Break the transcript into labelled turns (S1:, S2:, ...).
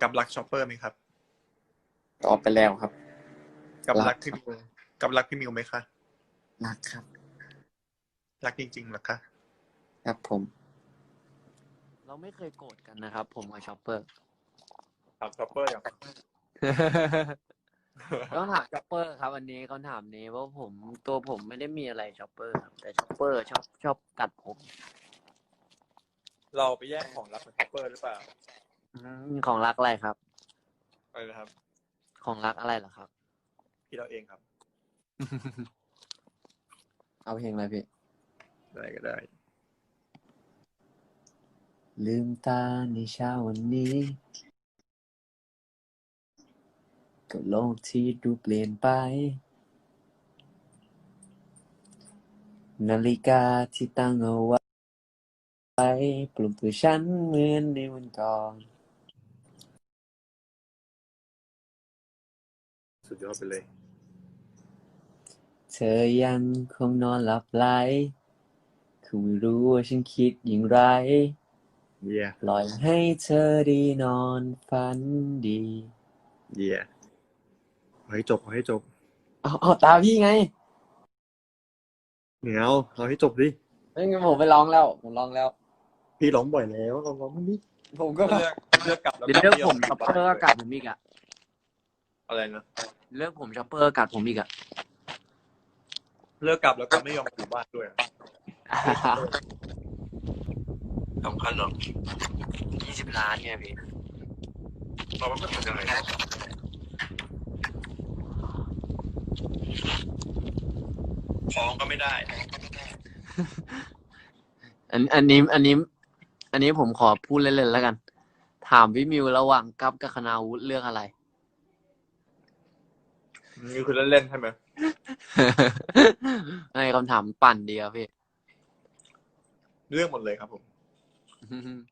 S1: กับรักชอปเปอร์ไหมครับ
S2: ตอบไปแล้วครับ
S1: กับ
S2: รั
S1: รั
S2: ก
S1: ก
S2: ครั
S1: พี่
S2: บ
S1: มิวกับรักพี่มิวไหมคะ
S2: รักครับ
S1: รักจริงๆเหรอคะ
S2: ครับผม
S3: เราไม่เคยโกรธกันนะครับ ผมกับชอปเปอร์
S1: ถามชอปเปอร์อย่าง
S3: ต้องถามชอปเปอร์ครับอันนี้คำถามนี้เพราะตัวผมไม่ได้มีอะไรชอปเปอร์ครับแต่ชอปเปอร์ชอบกัดผม
S1: เราไปแย่งของรักของชอปเปอร์หรือเปล่า
S3: ของรักอะไรครับ
S1: อะไรนะครับ
S3: ของรักอะไรเหรอครับ
S1: พี่เราเองครับ
S2: เอาเพลงอะไรพี่
S1: ได้ก็ได้
S2: ลืมตาในเช้าวันนี้กับโลกที่ดูเปลี่ยนไป นาฬิกาที่ตั้งเอาไว้ปลุกตัวฉันเหมือนในวันก่อน
S1: สุดยอดไปเลย
S2: เธอยังคงนอนหลับไหลคงไม่รู้ว่าฉันคิดอย่างไร
S1: เยี่ย
S2: ปล่อยให้เธอได้นอนฝันดี
S1: เยี่ยเอาให้จบเอาให้จบ
S2: เอาตาพี่ไง
S1: เหนียวเอาให้จบดิ
S2: ไม่งั้นผมไปร้องแล้ว ผมร้องแล้ว
S1: พี่ร้องบ่อยแล้วลองร้องมั้างดิ
S2: ผมก็
S1: เลือกกลับแล้ว
S3: เดี๋ยวเลือกผมชอปเปอร์ก็กัดผมอีกอะ
S1: อะไรนะ
S3: เลือกผมชอปเปอร์กัดผมอีกอะ
S1: เลือกกลับแล้วก็ไม่ยอมอยู่บ้านด้วยสำคัญเหรอ
S3: 20 ล้านไงพี่
S1: เราว่ามันเป็นยังไงฟ้องก็ไม่ได้
S3: อันนี้ผมขอพูดเล่นๆแล้วกัน ถามพี่มิวระหว่างกัปกับคณาวุฒิเลือกอะไร
S1: นี่คือเล่นๆใช่ไหม
S3: ในคำถามปั่นดีครับพี่
S1: เรื่องหมดเลยครับผม